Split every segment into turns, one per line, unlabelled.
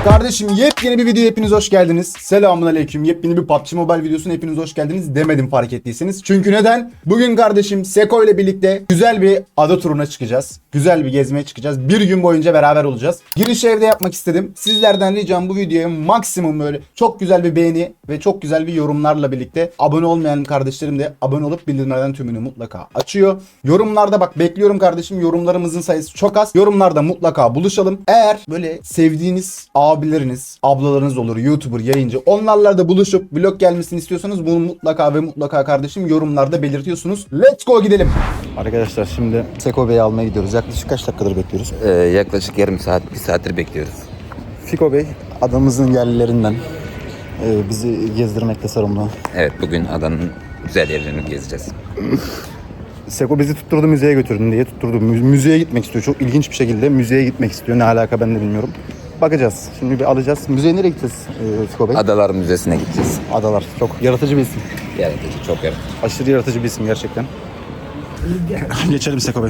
Kardeşim yepyeni bir video, hepiniz hoş geldiniz. Selamünaleyküm. Yepyeni bir PUBG Mobile videosuna hepiniz hoş geldiniz demedim fark ettiyseniz. Çünkü neden? Bugün kardeşim Seko ile birlikte güzel bir ada turuna çıkacağız. Güzel bir gezmeye çıkacağız. Bir gün boyunca beraber olacağız. Girişi evde yapmak istedim. Sizlerden ricam bu videoya maksimum böyle çok güzel bir beğeni ve çok güzel bir yorumlarla birlikte abone olmayan kardeşlerim de abone olup bildirimlerden tümünü mutlaka açıyor. Yorumlarda bak bekliyorum kardeşim. Yorumlarımızın sayısı çok az. Yorumlarda mutlaka buluşalım. Eğer böyle sevdiğiniz abileriniz, ablalarınız olur, YouTuber, yayıncı, onlarla da buluşup vlog gelmesini istiyorsanız bunu mutlaka ve mutlaka kardeşim yorumlarda belirtiyorsunuz. Let's go gidelim. Arkadaşlar şimdi Seko Bey'i almaya gidiyoruz. Yaklaşık kaç dakikadır bekliyoruz?
Yaklaşık yarım saat, bir saattir bekliyoruz.
Fiko Bey adamızın yerlilerinden bizi gezdirmekte sorumlu.
Evet, bugün adanın güzel yerlerini gezeceğiz.
Seko bizi tutturdu, müzeye götürdün diye tutturdu. Müzeye gitmek istiyor. Çok ilginç bir şekilde müzeye gitmek istiyor. Ne alaka ben de bilmiyorum. Bakacağız. Şimdi bir alacağız. Müzeye nereye gideceğiz Fiko Bey?
Adalar Müzesi'ne gideceğiz.
Adalar. Çok yaratıcı bir isim.
Yaratıcı, çok yaratıcı.
Aşırı yaratıcı bir isim gerçekten. Geçelim Seko Bey.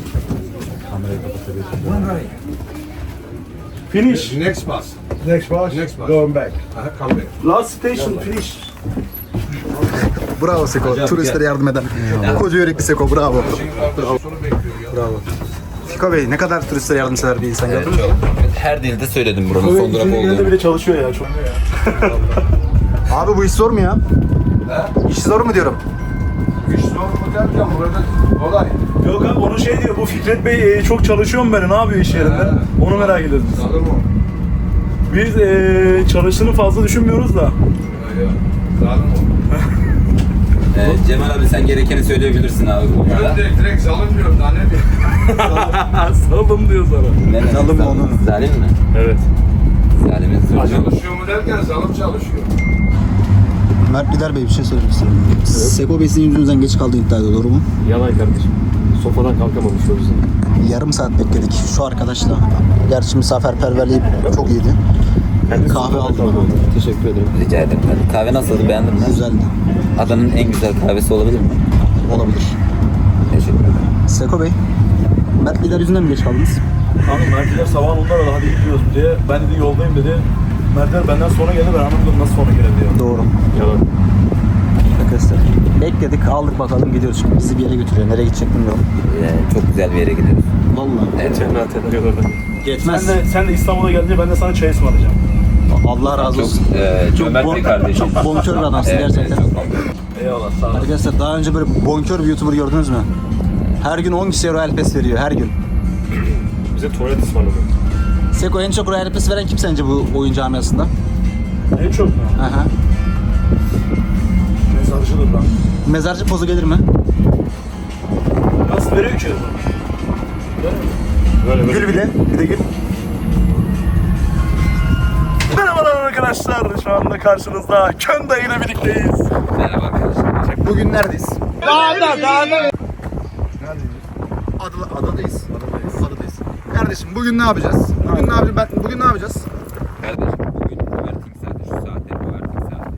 Finish. Next bus.
Next bus,
Next bus.
going back.
Come back.
Last station, finish.
Bravo Seko. Turistlere yardım eden. Koca yürekli Seko. Bravo.
Sonra bekliyor ya.
Bravo. Fiko Bey ne kadar turistlere yardımsever bir insan gördünüz mü?
Her dilde söyledim buranın son durak
Genelde
olduğunu.
bile çalışıyor ya. Çok.
Abi bu iş zor mu ya? İş zor mu diyorum?
İş zor mu derken burada kolay.
Yok abi onu şey diyor, bu Fikret Bey çok çalışıyor mu böyle, ne yapıyor iş yerinde? Onu merak ediyoruz biz.
Zalim o.
Biz çalıştığını fazla düşünmüyoruz da.
Ya, zalim o.
Cemal abi sen gerekeni söyleyebilirsin abi.
Ben direkt zalim diyorum daha ne diyeyim.
Salım diyor sana.
Ne
Zalim mi onun?
Zalim mi?
Evet.
Zalimin sözü.
Çalışıyor mu derken zalim çalışıyor.
Mert Gider Bey bir şey söylemek istiyorum. Seko Bey sizin yüzünüzden geç kaldı iddia ediyor, doğru mu?
Yalan kardeşim. Sofadan kalkamamış o yüzden.
Yarım saat bekledik şu arkadaşla. Gerçi misafirperverliği çok iyiydi. Kahve aldım bana.
Teşekkür ederim.
Rica ederim. Kahve nasıldı, beğendin mi?
Güzeldi.
Adanın en güzel kahvesi olabilir mi?
Olabilir.
Teşekkür ederim.
Seko Bey, Mert Gider yüzünden mi geç kaldınız?
Abi Mertler sabahın onlara da hadi gidiyoruz diye. Ben dedi yoldayım dedi. Mertler benden sonra geldi, ben anlamadım nasıl sonra gelir diyor.
Doğru.
Yalan.
Arkadaşlar bekledik, aldık, bakalım gidiyoruz şimdi. Bizi bir yere götürüyor. Nereye gidecek bilmiyorum.
Çok güzel bir yere gidiyoruz.
Vallahi.
Evet.
Cennet ediyor orada.
Geçmez.
Sen de İstanbul'a gelince ben de sana çay ısmarlayacağım.
Allah razı olsun.
Cömert bir kardeşim.
Çok bonkör bir adamsın gerçekten.
Eyvallah, sağ ol.
Arkadaşlar daha önce böyle bonkör bir YouTuber gördünüz mü? Her gün 10 kişiye Royal Pass veriyor, her gün.
Bize tuvalet ısmarladı.
Seko en çok Royal Pass veren kim sence bu oyun camiasında?
En çok mu?
Aha.
Mezarcıdır lan.
Mezarcı pozu gelir mi?
Nasıl veriyor ki?
Böyle
Gül bir de, bir de gül.
Merhabalar arkadaşlar. Şu anda karşınızda Könda ile birlikteyiz.
Merhaba arkadaşlar.
Bugün neredeyiz? Adadayız. Adadayız. Kardeşim bugün ne yapacağız? Bugün ne yapacağız?
Kardeşim bugün Ömertik saati, şu saatte Ömertik saati.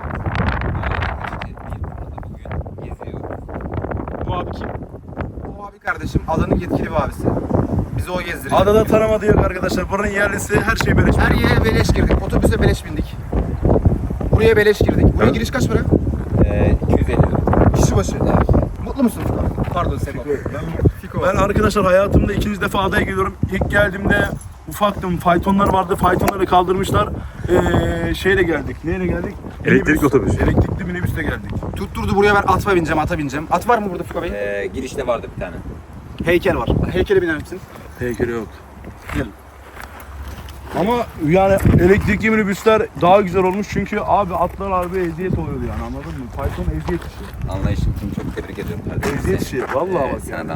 Bugün geziyor.
Bu abi kim?
O abi kardeşim adanın yetkili bir abisi. Bizi o gezdiriyor.
Adada tanımadı yok arkadaşlar. Buranın yerlisi, her şey beleş.
Her yere beleş girdik. Otobüse beleş bindik. Buraya beleş girdik. Buraya giriş kaç para?
250 lira.
Kişi başı. Mutlu musun? Pardon Seko.
Ben arkadaşlar hayatımda ikinci defa adaya geliyorum. İlk geldiğimde ufaktım. Faytonlar vardı. Faytonları kaldırmışlar. Şeyle geldik. Neyle geldik?
Elektrik otobüs.
Elektrikli minibüste geldik.
Tutturdu buraya, ben ata bineceğim. At var mı burada Fiko Bey?
Girişte vardı bir tane.
Heykel var. Heykele biner misin?
Heykeli yok. Ama yani elektrikli minibüsler daha güzel olmuş çünkü abi atlar abi eziyet oluyordu yani, anladın mı? Fayton eziyet işi.
Anlayışın için çok tebrik ediyorum kardeşim.
Eziyet işi. Vallahi bak
Sana
yani.
da.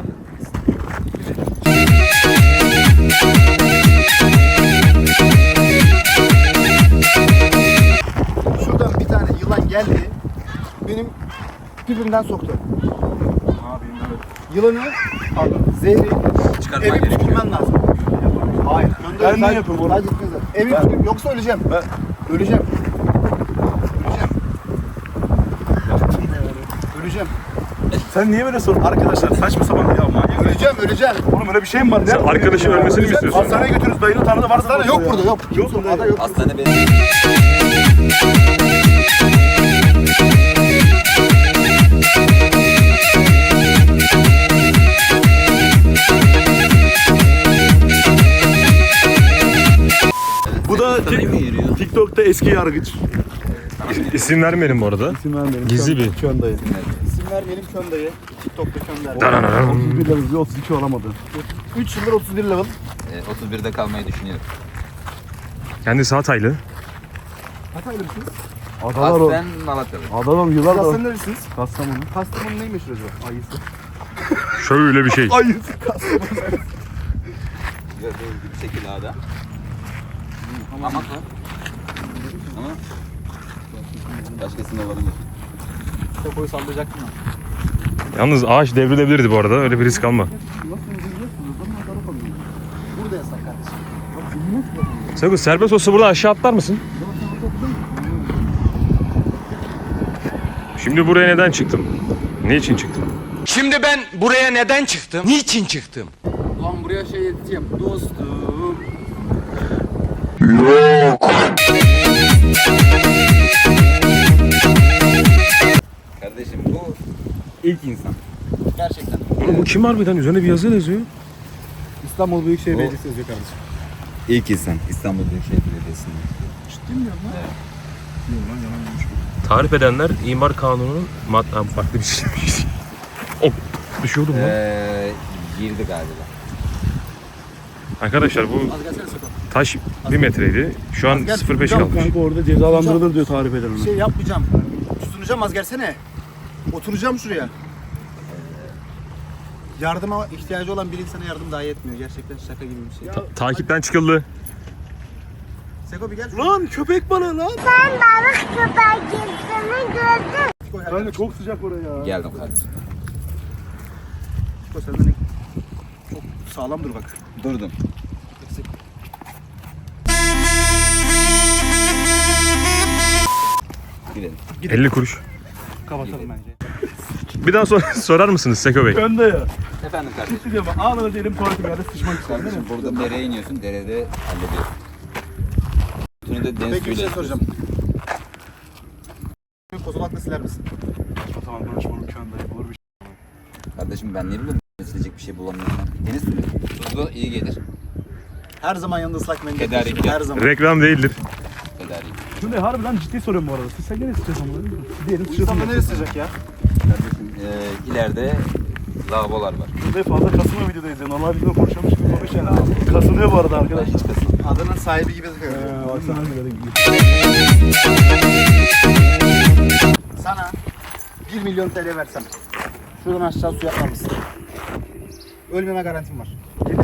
Şuradan bir tane yılan geldi. Benim pipimden soktu.
Abi evet.
Yılanı, pardon, zehri
Çıkartman
eve
gerekiyor.
püskürmen lazım. Hayır.
Ben ne yapayım onu?
Sadece püskürmen. Eve püskür, yoksa öleceğim. Öleceğim. Öleceğim.
Sen niye böyle sorun? Arkadaşlar saçma sapan ya manyak.
Öleceğim.
Oğlum öyle bir şey mi var?
Sen arkadaşın ölmesini mi istiyorsun?
Hastaneye götürürüz dayını tanıdı varsa.
Hastane yok burada yok.
Yok mu dayı?
Yok.
Hastane benim.
Bu da TikTok'ta eski yargıç.
İsim vermeyelim bu arada.
İsim vermeyelim.
Gizli bir.
Kön dayı.
İsim vermeyelim Kön dayı. TikTok'ta Kön dayı.
31 level, 32 olamadı.
3 yıldır 31 level.
31'de kalmayı düşünüyorum.
Kendisi Hataylı.
Hataylı mısınız?
Adalar o.
Aslen Malatyalı.
Adalar yıllardır.
Kastamonu neresiniz?
Kastamonu.
Kastamonu neyi meşhur acaba? Ayısı.
Şöyle bir şey.
Ayısı Kastamonu.
Gördüğünüz gibi şekil ağda. Hamak var. Ama başkasında olabilir.
Seko'yu sallayacaktım ben.
Yalnız ağaç devrilebilirdi bu arada. Öyle bir risk alma.
Burada yasak kardeşim.
Seko serbest olsa burada aşağı atlar mısın? Şimdi buraya neden çıktım? Ne için çıktım?
Şimdi ben buraya neden çıktım? Niçin çıktım?
Ulan buraya şey yeteceğim. Dostum. Kardeşim bu ilk insan. Gerçekten.
Oğlum bu kim harbiden? Üzerine bir yazı yazıyor.
İstanbul Büyükşehir
O-
Belediyesi yazıyor kardeşim.
İlk insan İstanbul Büyükşehir Belediyesi'nde.
Tarif edenler imar kanununun farklı bir şey. Oh, düşüyordum lan.
Girdi galiba.
Arkadaşlar bu
Az gelsene Seko.
taş 1 metreydi. Şu an 0.5 kalmış.
Kanka orada cezalandırılır diyor tarif eden
Bir
onu.
şey yapmayacağım. Tutunacağım az gelsene. Oturacağım şuraya. Yardıma ihtiyacı olan bir insana yardım dahi etmiyor. Gerçekten şaka gibi bir şey.
Takipten çıkıldı.
Seko bir gel.
Lan köpek balığı lan. Kanka çok sıcak oraya.
Geldim kardeşim.
Seko senden ne- çok sağlam dur bak.
Durdum. Gidelim.
50 kuruş.
Kapatalım bence.
Bir daha sorar mısınız Seko Bey?
Önde ya.
Efendim kardeşim.
Sıkıcı ama anında diyelim tuvaletim yerde sıçmak istedim değil mi?
Kardeşim burada dereye iniyorsun. Derede hallediyorsun. Bunu da deniz
Peki bir şey
suyuyla
soracağım. Kozalakla siler misin?
O zaman konuşmanın köyünde olur bir şey.
Kardeşim ben ne bileyim silecek bir şey bulamıyorum. Deniz suyu. Tuzlu iyi gelir.
Her zaman yanında ıslak mendil.
Tedarik
taşır,
yap.
Her zaman.
Reklam değildir.
Tedarik.
Şimdi harbiden ciddi soruyorum bu arada. Sen gene sıçacağız ama. Diyelim
Bu insanda
sıçacağız.
neresi sıcak ya?
Kardeşim ileride lavabolar var.
Burada fazla kasılma videodayız ya. Normal videoda konuşamış gibi konuş yani. Kasılıyor bu arada
Ben
arkadaş.
hiç kasım.
Adanın sahibi gibi takıyor.
Baksana böyle gidiyor.
Sana 1 milyon TL versem şuradan aşağı suya atlar mısın? Ölmeme garantim var.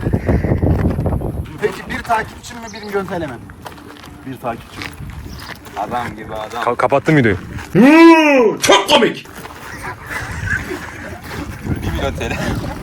Peki bir takipçim mi 1 milyon TL mi?
Bir takipçi.
Adam gibi adam.
Kapattım videoyu.
1 milyon TL.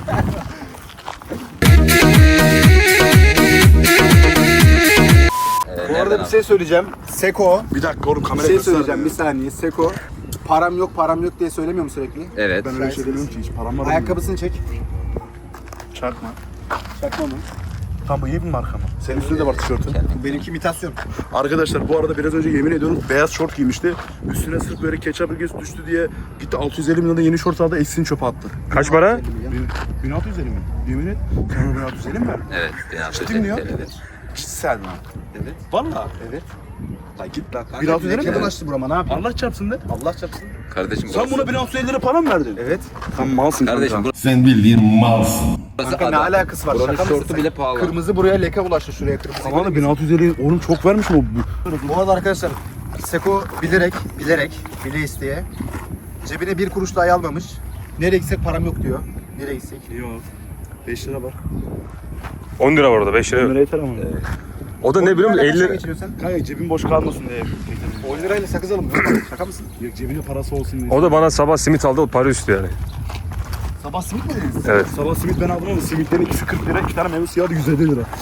Bu arada bir şey söyleyeceğim. Seko.
Bir dakika oğlum
Bir
kamerayı
şey
göster.
söyleyeceğim bir saniye. Seko. Param yok diye söylemiyor mu sürekli?
Evet.
Ben öyle bir şey demiyorum ki hiç param var.
Ayakkabısını çek.
Çakma.
Çakma mı?
Tam bu iyi bir marka mı? Senin üstünde de var tişörtün.
Benimki imitasyon.
Arkadaşlar bu arada biraz önce yemin ediyorum beyaz şort giymişti. Üstüne sırf böyle ketçap ilgisi düştü diye gitti 650 milyonda yeni şort aldı eksini çöpe attı.
Kaç para?
1650 mi? Yemin et. Sana 1650 mi verdin?
Evet. 1650
Ciddi mi ya?
TL'dir.
Sen mi?
Evet.
Valla.
Evet.
La git lan.
Kanka,
1650 mi?
lekeden
verdin?
açtı burama ne yapayım?
Allah çarpsın de.
Allah çarpsın.
Kardeşim
Sen
burası-
buna 1650 lira para mı verdin?
Evet.
Sen malsın
Kardeşim
kanka.
Sen bildiğin malsın.
burası
Kanka ne
adam.
alakası var?
Buranın
Şaka mısın
şortu
sen?
bile pahalı.
Kırmızı buraya leke bulaştı şuraya kırmızı.
Tamam da 1650 oğlum çok vermiş mi o?
Bu arada arkadaşlar Seko bile isteye cebine bir kuruş dahi almamış. Nereye gitsek param yok diyor. Nereye gitsek?
Yok. 5 lira var.
10 lira var orada 5 lira.
10 lira yeter ama.
O da ne biliyor musun? 50 lira.
geçiriyorsun sen?
Kanka cebim boş kalmasın diye.
10 lirayla sakız alın. Şaka mısın?
Yok cebine parası olsun diye.
O da bana sabah simit aldı o para üstü yani.
Sabah simit mi dediniz?
Evet.
Sabah simit ben aldım ama simitlerin ikisi 40 lira, 2 tane meyve suyu aldı 150 lira.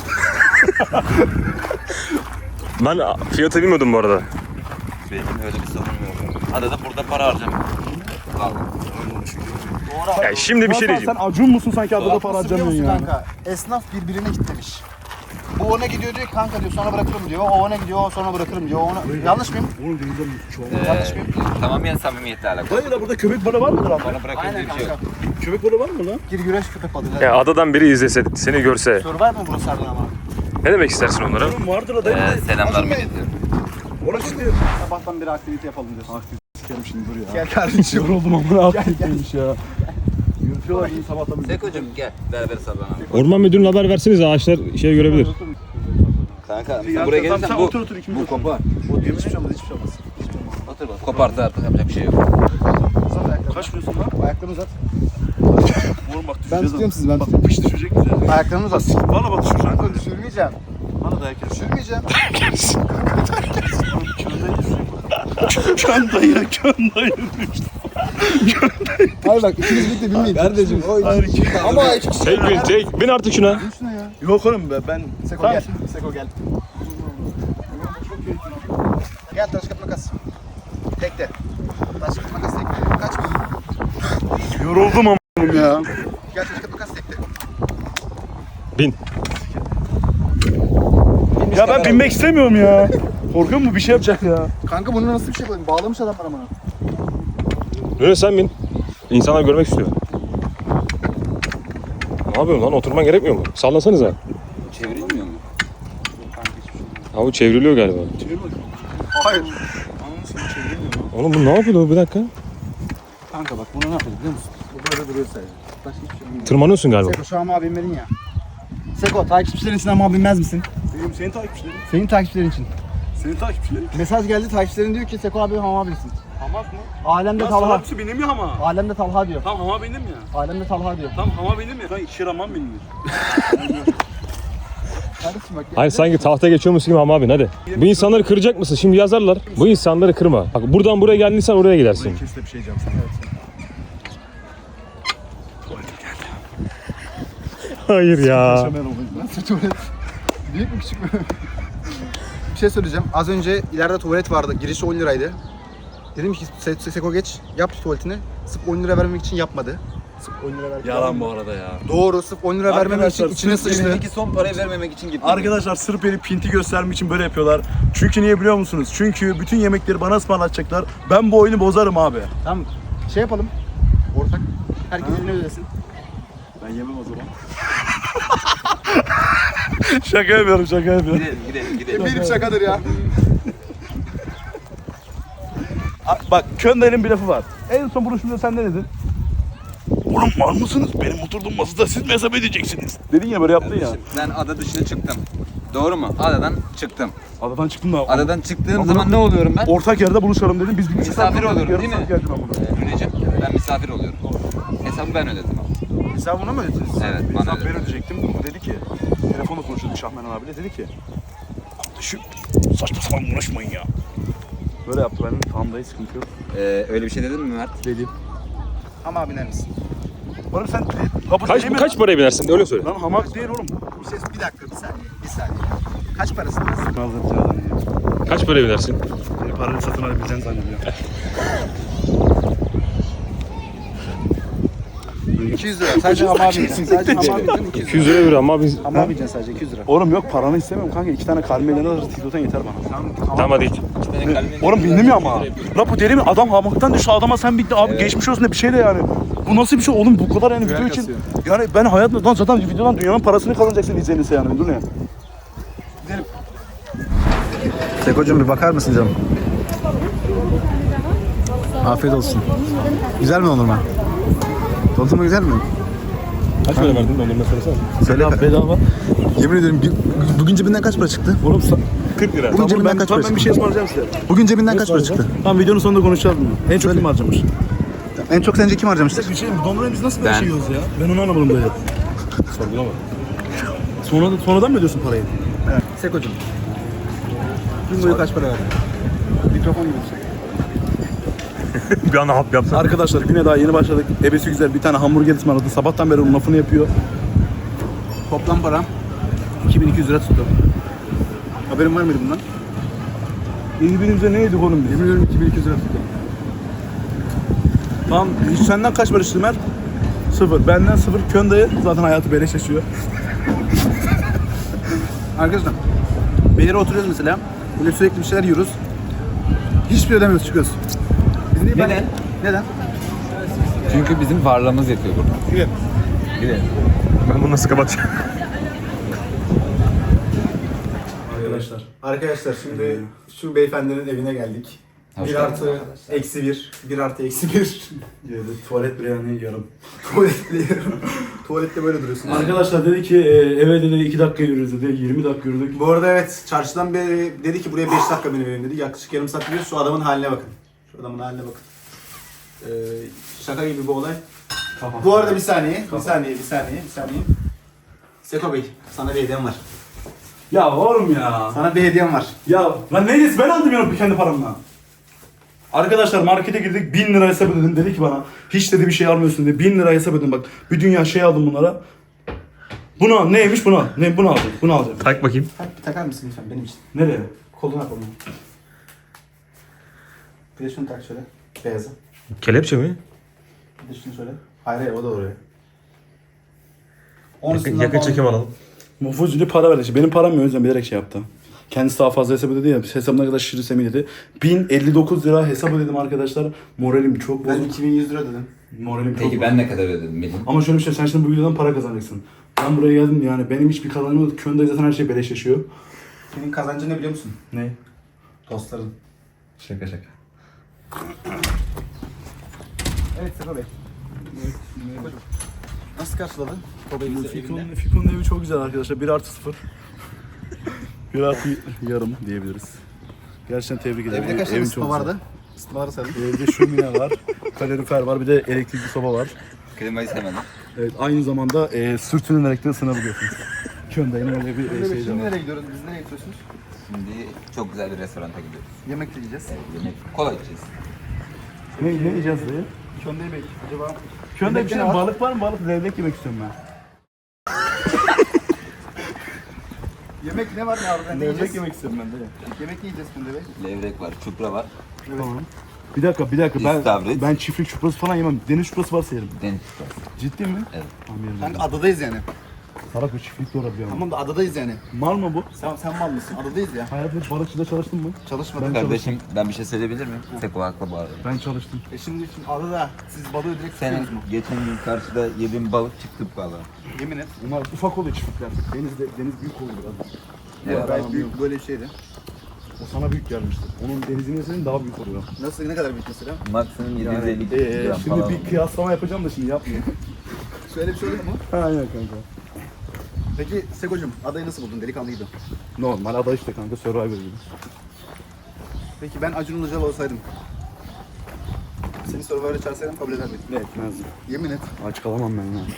Ben fiyatı bilmiyordum bu arada.
Benim öyle bir sorunum yok. Arada burada para harcamıyorum. Vallahi.
Yani şimdi bir şey diyeceğim.
Sen acun musun sanki adada para
Nasıl biliyor
harcamıyorsun
musun
yani?
kanka? Esnaf birbirine gitmemiş. Bu ona gidiyor diyor kanka diyor sonra bırakırım diyor. O ona gidiyor sonra bırakırım diyor. Ona... Yanlış mıyım?
Oğlum denizden çok.
Yanlış mıyım?
Tamamen samimiyetle alakalı.
Hayır ya burada köpek balığı var mıdır abi?
Bana bırakın diye
Aynen
bir şey
kanka.
yok.
Köpek balığı var mı lan?
Gir güreş köpek balığı.
Ya adadan biri izlese, seni görse
Survive mı burası harbiden ama?
ne demek istersin onlara?
Oğlum vardır da değil mi?
Selamlar milleti.
Orası işte.
Sabahtan beri aktivite yapalım diyorsun.
Sikerim şimdi dur ya.
Gel kardeşim.
Yoruldum ama ne aktiviteymiş ya. Yürütüyorlar bizi sabahtan beri.
Seko'cum gel beraber sallanalım.
Orman müdürüne haber verseniz ağaçlar şey görebilir.
Kanka
Ya
buraya
tamam,
gelirsen
sen
bu
otur otur ikimiz otur.
kopar.
O diyor hiçbir şey olmaz hiçbir şey olmaz.
Otur bak. Koparsa artık yapacak bir şey yok.
Uzat ayaklarını.
Kaç diyorsun lan?
Ayaklarını uzat.
Oğlum bak düşeceğiz.
Ben tutuyorum sizi ben
Bak
tutuyorum.
pış düşecek bize.
Ayaklarını uzat.
Valla bak düşeceksin.
Kanka düşürmeyeceğim.
Bana dayak yersin.
Düşürmeyeceğim.
Kön dayı.
Hayır bak ikiniz birlikte binmeyin. Kardeşim o iki. Ama iki kişi.
Bin artık şuna.
Şuna ya.
Yok oğlum be ben.
Seko
Tamam.
gel. Seko gel. Gel taş kağıt makas. Tekte. Taş kağıt makas tekte. Kaç mı?
Yoruldum ama ya.
Gel taş kağıt makas tekte.
Bin.
Ya ben binmek istemiyorum ya. Korkuyor mu bir şey yapacak ya?
Kanka bunu nasıl bir şey koyayım? Bağlamış adamlar ama.
Öyle sen bin. İnsanlar görmek istiyor. Ne yapıyorsun lan? Oturman gerekmiyor mu? Sallasanıza.
Çevrilmiyor mu?
Ha bu çevriliyor galiba.
Hayır.
Oğlum bu ne yapıyor? Bir dakika.
Kanka bak bunu ne yapıyor biliyor musun? Bu böyle duruyor sadece. Başka hiçbir şey olmuyor.
Tırmanıyorsun galiba.
Seko şu an abi binmedin ya. Seko takipçilerin için ama binmez misin?
Benim senin takipçilerin.
Senin takipçilerin için.
Senin takipçilerin.
Mesaj geldi takipçilerin diyor ki Seko abi hama binsin.
Hamak mı?
Alemde
Lan
Talha.
salaksı benim ya ama.
Alemde Talha diyor.
Tam hama benim ya.
Alemde Talha diyor.
Tam hama benim ya. Lan şiraman benim ya.
Kardeşim bak.
Hayır sanki tahta geçiyormuş gibi ama abi hadi. Bu insanları kıracak mısın? Şimdi yazarlar. Bu insanları kırma. Bak buradan buraya geldiysen oraya gidersin.
Kes de bir şey diyeceğim sana.
Hayır ya.
Nasıl tuvalet? Büyük mü küçük mü? Bir şey söyleyeceğim. Az önce ileride tuvalet vardı. Girişi 10 liraydı. Dedim ki Seko geç yap tuvaletini. Sırf 10 lira vermemek için yapmadı. Sırf 10 lira vermek
Yalan bu arada ya.
Doğru. Sırf 10 lira vermemek için
Arkadaşlar,
içine
sırf
sıçtı.
Peki son parayı vermemek için gittim.
Arkadaşlar sırf beni pinti göstermek için böyle yapıyorlar. Çünkü niye biliyor musunuz? Çünkü bütün yemekleri bana ısmarlatacaklar. Ben bu oyunu bozarım abi.
Tamam. Şey yapalım. Ortak. Herkes ne ödesin.
Ben yemem o zaman. Şaka yapıyorum, şaka yapıyorum.
Gidelim.
Benim şakadır ya.
Bak Könder'in bir lafı var. En son buluşmada sen ne dedin? Oğlum var mısınız? Benim oturduğum masada siz mi hesap edeceksiniz? Dedin ya böyle yaptın ya.
Ben ada dışına çıktım. Doğru mu? Adadan çıktım.
Adadan çıktım da.
Adadan çıktığım zaman ne oluyorum ben?
Ortak yerde buluşalım dedim. Biz bir
Misafir oluyorum, değil mi?
Geldim ben buna.
Rüneciğim, ben misafir oluyorum. Hesabı ben ödedim.
Hesabını mı ödediniz?
Evet, bana
Hesap ben
ödedim.
ödeyecektim. O dedi ki, telefonla konuşuyorduk Şahmeran abiyle. Dedi ki, kardeşim saçma sapan uğraşmayın ya. Böyle yaptı, benim tamam dayı sıkıntı yok.
Öyle bir şey dedin mi Mert?
Dedim.
Ama biner misin?
Oğlum sen kapı
Kaç paraya binersin? Öyle söyle.
Lan hamak değil oğlum.
Bir dakika bir saniye. Bir saniye. Kaç parası?
Kaç paraya binersin?
Parayı satın alabileceğini zannediyorum.
200 lira. Sadece hama bineceksin. Sadece hama bineceksin 200 lira.
200 lira veriyor ama biz...
Hama bineceksin sadece 200 lira.
Oğlum yok paranı istemiyorum kanka. 2 tane kalmeyden alırız. Tiktok'tan yeter bana.
Tamam hadi git.
Oğlum bindim ya ama. La bu deli mi? Adam hamaktan düştü. Adama sen bitti abi. Geçmiş olsun da bir şey de yani. Bu nasıl bir şey oğlum bu kadar yani video için.
kasıyor.
Yani ben hayatımda lan zaten videodan dünyanın parasını kazanacaksın izlenirse yani. Dur ne?
Seko'cum bir bakar mısın canım? Afiyet olsun. Güzel mi dondurma? Dondurma güzel mi?
Kaç para verdin dondurma söylesene.
Söyle.
Bedava.
Yemin ederim bugün cebinden kaç para çıktı?
Oğlum 40 lira.
Bugün cebinden kaç para
ben bir şey ısmarlayacağım size.
Bugün cebinden kaç para çıktı?
Tamam videonun sonunda konuşacağız bunu. En çok kim harcamış?
En çok sence kim harcamıştır?
Bir şey dondurmayı biz nasıl böyle
Ben.
şey yiyoruz ya? Ben onu anlamadım dayı. Sorgulama. Sonradan mı ödüyorsun parayı?
Seko'cum. Gün boyu kaç para verdin? Mikrofon gibi bir şey.
Bir anda hap yapsın.
Arkadaşlar güne daha yeni başladık. Ebesi güzel bir tane hamburger ısmarladı. Sabahtan beri onun lafını yapıyor.
Toplam param 2200 lira tuttu. Haberin var mıydı bundan?
Birbirimize ne yedik oğlum biz?
Yemin ediyorum 2200 lira tuttu.
Tamam senden kaç para istedim Mert? Sıfır. Benden sıfır. Köndayı zaten hayatı beleş yaşıyor. Arkadaşlar bir yere oturuyoruz mesela. Böyle sürekli bir şeyler yiyoruz. Hiçbir şey ödemiyoruz, çıkıyoruz. Biz niye
Neden?
Neden?
Çünkü bizim varlığımız yetiyor burada. Gidelim.
Ben bunu nasıl kapatacağım?
Arkadaşlar şimdi şu beyefendinin evine geldik.
Hoş
1
geldiniz
artı
arkadaşlar.
eksi 1. 1 artı eksi 1.
Tuvalet biryani yarım.
Tuvalet biliyorum. Tuvalette böyle duruyorsun.
Arkadaşlar dedi ki eve dedi 2 dakika yürüyoruz dedi. 20 dakika yürüdük.
Bu arada evet çarşıdan beri dedi ki buraya 5 dakika benim evim dedi. Yaklaşık yarım saat gidiyoruz. Şu adamın haline bakın. Şu adamın haline bakın. Şaka gibi bir olay.
Tamam.
Bu arada bir saniye. Bir saniye. Seko Bey sana bir hediyem var.
Ya oğlum ya.
Sana bir hediyem var.
Ya lan neyse ben aldım ya kendi paramla. Arkadaşlar markete girdik 1000 lira hesap ödedim dedi ki bana hiç dedi bir şey almıyorsun dedi 1000 lira hesap ödedim bak bir dünya şey aldım bunlara. Bunu al neymiş bunu al ne bunu aldım bunu alacağım.
Tak bakayım.
Bir takar mısın lütfen benim için?
Nereye?
Koluna koluna. Bir de şunu tak şöyle. Beyazı.
Kelepçe mi?
Bir de şunu şöyle. Hayır o da oraya.
Yakın çekim alalım.
Mufucunu para verdi işte benim param yok o yüzden bilerek şey yaptı. Kendisi daha fazla hesap ödedi ya hesabına kadar şişiri semi dedi. 1059 lira hesap ödedim arkadaşlar. Moralim çok
Ben
bozuk.
2100 lira dedim.
Moralim çok
Peki
bozuk.
ben ne kadar ödedim benim?
Ama şöyle bir şey sen şimdi bu videodan para kazanacaksın. Ben buraya geldim yani benim hiçbir kazancım yok. Köyünde zaten her şey beleş yaşıyor.
Senin kazancın ne biliyor musun?
Ne?
Dostların.
Şaka şaka.
Evet Seko Bey. Nasıl karşıladın? Kobe'yi evinde.
Fikon'un evi çok güzel arkadaşlar. 1 artı 0. 1 artı yarım diyebiliriz. Gerçekten tebrik ederim.
Evde kaç tane
Evin
ısıtma
çok
vardı? Isıtmaları sayalım.
güzel. Evde şömine var, kalorifer var, bir de elektrikli soba var.
Klimayı sevmedim.
Evet, aynı zamanda sürtünerek de ısınabiliyorsunuz. Köyünde yine öyle bir şey de
Şimdi
var.
nereye gidiyoruz? Biz nereye gidiyorsunuz?
Şimdi çok güzel bir restoranta gidiyoruz.
Yemek de yiyeceğiz.
Yemek, kola içeceğiz.
Ne yiyeceğiz dayı?
Köyünde Bey. Acaba
Köyünde bir şey
ne var?
balık var mı? Balık levrek yemek istiyorum ben.
yemek ne var ne var? Ne
Levrek
yiyeceğiz?
yemek istiyorum ben dayı.
Yemek ne yiyeceğiz Köyünde Bey?
Levrek var, çupra var,
Tamam. Bir dakika
İstavrit.
ben çiftlik çuprası falan yemem. Deniz çuprası varsa yerim.
deniz çuprası.
Ciddi mi?
Evet.
Tamam yerim.
Kanka adadayız yani.
Salak bir çiftlik de olabilir ama.
Tamam da adadayız yani.
Mal mı bu?
Sen mal mısın? Adadayız ya.
Hayatım hiç balıkçıda çalıştın mı?
Çalışmadık.
Kardeşim ben bir şey söyleyebilir miyim? Seko haklı bu arada.
Ben çalıştım.
Şimdi adada siz balığı direkt
Senin
tutuyorsunuz mu?
geçen gün karşıda yediğin balık çıktı balığa.
Yemin et.
Bunlar ufak oluyor çiftlikler. Deniz büyük oluyor biraz.
Evet.
Gayet büyük böyle bir şeydi.
O sana büyük gelmiştir. Onun denizinin senin daha büyük oluyor.
Nasıl ne kadar büyük mesela?
Maksimum 750 gram
Şimdi
falan.
bir kıyaslama yapacağım da şimdi yapmayayım.
Şöyle bir şey olur mu?
Aynen kanka.
Peki Seko'cum adayı nasıl buldun? Delikanlı gibi.
Normal ada işte kanka Survivor gibi.
Peki ben Acun Ilıcalı olsaydım. Seni Survivor'a çağırsaydım kabul eder miydin?
Ne etmezdim.
Yemin et.
Aç kalamam ben ya.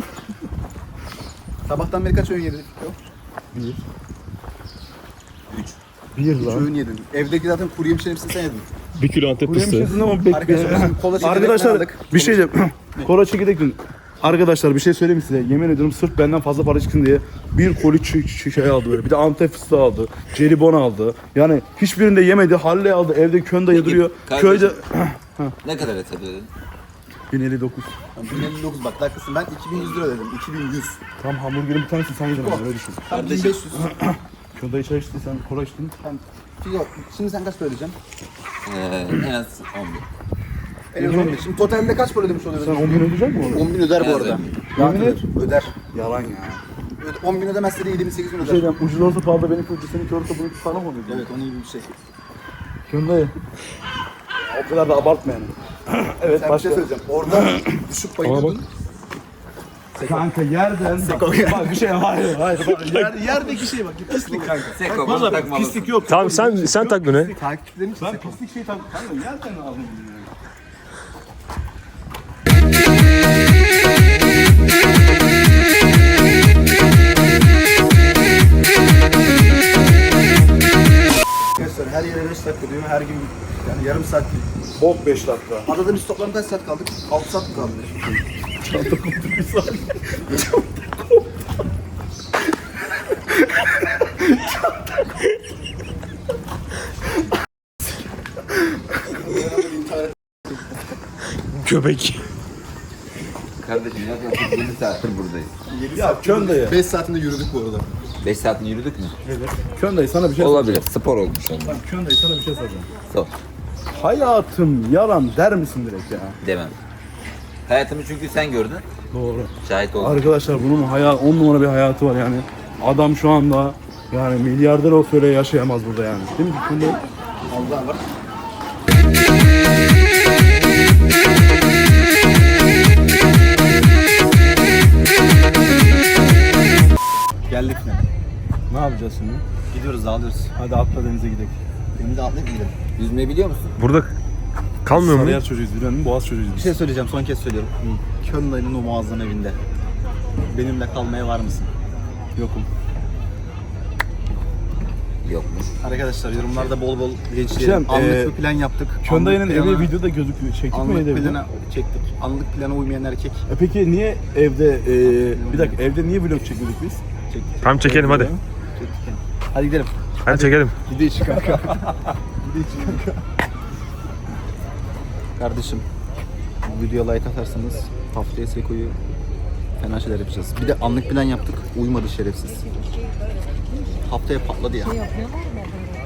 Sabahtan beri kaç öğün yedin?
Bir.
3.
Bir
Üç
lan.
öğün yedin. Evdeki zaten kuru yemişlerin hepsini sen yedin.
1 kilo Antep
Buraya bir şey
fıstığı.
dedin ama bekle.
Arkadaşlar bizim kola çekirdek
Arkadaşlar
aldık.
bir şey diyeceğim. Kola çekirdek dün. Arkadaşlar bir şey söyleyeyim mi size? Yemin ediyorum sırf benden fazla para çıksın diye bir koli şey aldı böyle. Bir de Antep fıstığı aldı. Jelibon aldı. Yani hiçbirinde yemedi. Halle aldı. Evde köyde duruyor.
kardeşim.
Köyde
Ne kadar et ödedin?
1059.
1059 bak dakikasın ben 2100 lira ödedim. 2100.
Tam hamburgerin bir tanesi sen yedin öyle düşün.
Tam
Kardeşim.
1500.
Köyde çay içtin sen kola içtin.
Tamam. Şimdi sen kaç para ödeyeceksin?
En az 11.
En az 11. Şimdi totalde kaç para ödemiş
Sen
oluyorsun?
10 bin ödeyecek mi onu?
10.000 öder bu
En az
arada.
11.
Yemin et. Öder.
Yalan ya.
10.000 ödemezse de 7.000 8.000
Bir şey
öder.
diyeceğim. Ucuz olsa pahalı benim kötü seninki olursa bunun sana mı oluyor?
Evet onun gibi bir şey.
Köyde. O kadar da abartma yani. Evet
Sen bir
başka.
şey söyleyeceğim. Orada düşüp bayılıyordun.
Kanka yerden bak bir şey hayır yerdeki şey bak pislik kanka.
Seko
Valla
bana takmalısın.
pislik yok.
Tamam sen tak bunu.
Takipçilerin için
Ben
Seko.
pislik şey tak kanka yerden aldım bunu yani.
Arkadaşlar her yere 5 dakika diyor. Her gün yani yarım saat diyor.
Bok 5 dakika.
Adada biz toplam kaç saat kaldık? 6 saat mi kaldık?
Köpek.
kardeşim yaklaşık 7 saattir buradayız.
Ya Kön dayı.
5 saatinde yürüdük bu arada.
5 saatini yürüdük mü?
Kön dayı sana bir şey
Olabilir. Spor olmuş onlar.
soracağım. Kön dayı sana bir şey soracağım.
Sor.
Hayatım yalan der misin direkt ya?
Demem. Hayatımı çünkü sen gördün.
Doğru.
Şahit oldun.
Arkadaşlar bunun 10 numara bir hayatı var yani. Adam şu anda yani milyarder olsa öyle yaşayamaz burada yani. Değil mi? Kön dayı?
Allah var.
Geldik mi?
Ne yapacağız şimdi?
Gidiyoruz dağılıyoruz.
Hadi atla denize gidelim.
Denize atlayıp gidelim.
Yüzmeyi biliyor musun?
Burada kalmıyor mu?
Sarıyer çocuğuyuz biliyor musun? Boğaz çocuğuyuz
Bir
biz.
şey söyleyeceğim, son kez söylüyorum. Köln dayının o muazzam evinde. Benimle kalmaya var mısın?
Yokum.
Yokmuş.
Arkadaşlar yorumlarda bol bol linçleyelim.
Şem,
Anlık bir plan yaptık.
Kön dayının
Anlık
evi
plana-
videoda gözüküyor. Çektik mi
Anlık
evde?
plana çektik. Anlık plana uymayan erkek
Peki niye evde bir dakika evde niye vlog çekmedik biz?
çektik.
Tamam çekelim hadi.
Çektik yani. Hadi gidelim.
Hadi çekelim.
Gidelim kanka. Gidelim kanka. Kardeşim, bu videoya like atarsanız haftaya Seko'yu fena şeyler yapacağız. Bir de anlık plan yaptık. Uymadı şerefsiz. Haftaya patladı ya.
Yapıyorlar mı?